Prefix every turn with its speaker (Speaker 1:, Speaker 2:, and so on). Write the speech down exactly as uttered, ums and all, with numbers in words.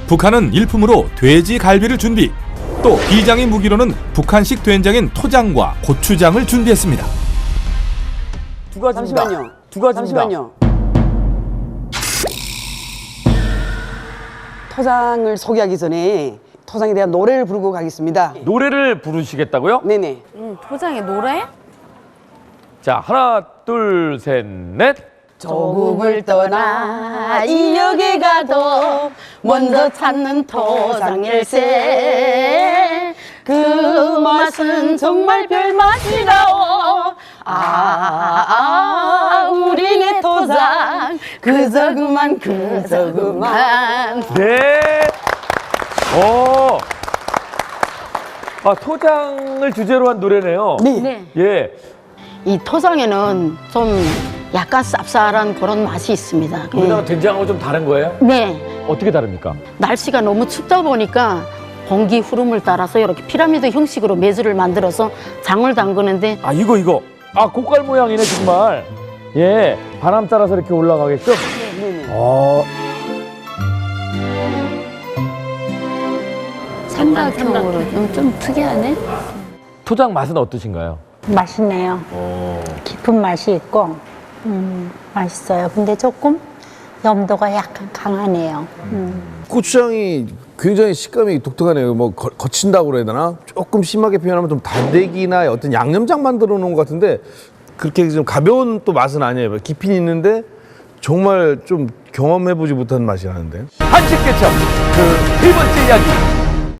Speaker 1: 북한은 일품으로 돼지 갈비를 준비. 또 비장의 무기로는 북한식 된장인 토장과 고추장을 준비했습니다.
Speaker 2: 두 가지입니다.
Speaker 3: 잠시만요.
Speaker 2: 두 가지입니다.
Speaker 3: 잠시만요. 토장을 소개하기 전에 토장에 대한 노래를 부르고 가겠습니다.
Speaker 2: 노래를 부르시겠다고요?
Speaker 3: 네네.
Speaker 4: 음, 토장의 노래?
Speaker 2: 자, 하나, 둘, 셋, 넷.
Speaker 3: 조국을 떠나 이역에 가도 먼저 찾는 토장일세. 그 맛은 정말 별맛이라오. 아, 우리네 토장 그저 그만 그저 그만.
Speaker 2: 네. 오. 아, 토장을 주제로 한 노래네요.
Speaker 4: 네.
Speaker 2: 예.
Speaker 5: 이 토장에는 좀 약간 쌉쌀한 그런 맛이 있습니다.
Speaker 2: 우리나라 된장하고 좀 다른 거예요?
Speaker 5: 네.
Speaker 2: 어떻게 다릅니까?
Speaker 5: 날씨가 너무 춥다 보니까 공기 흐름을 따라서 이렇게 피라미드 형식으로 메주를 만들어서 장을 담그는데
Speaker 2: 아, 이거, 이거. 아, 고깔 모양이네, 정말. 예. 바람 따라서 이렇게 올라가게끔.
Speaker 3: 네네.
Speaker 2: 어.
Speaker 4: 삼각형으로 좀, 좀 특이하네?
Speaker 2: 토장 맛은 어떠신가요?
Speaker 6: 맛있네요. 깊은 맛이 있고 음, 맛있어요. 근데 조금 염도가 약간 강하네요. 음.
Speaker 7: 고추장이 굉장히 식감이 독특하네요. 뭐 거, 거친다고 그래야 되나? 조금 심하게 표현하면 좀 단대기나 어떤 양념장 만들어 놓은 것 같은데 그렇게 좀 가벼운 또 맛은 아니에요. 깊이는 있는데 정말 좀 경험해보지 못한 맛이 나는데.
Speaker 2: 한식 개첩 그 세 번째 이야기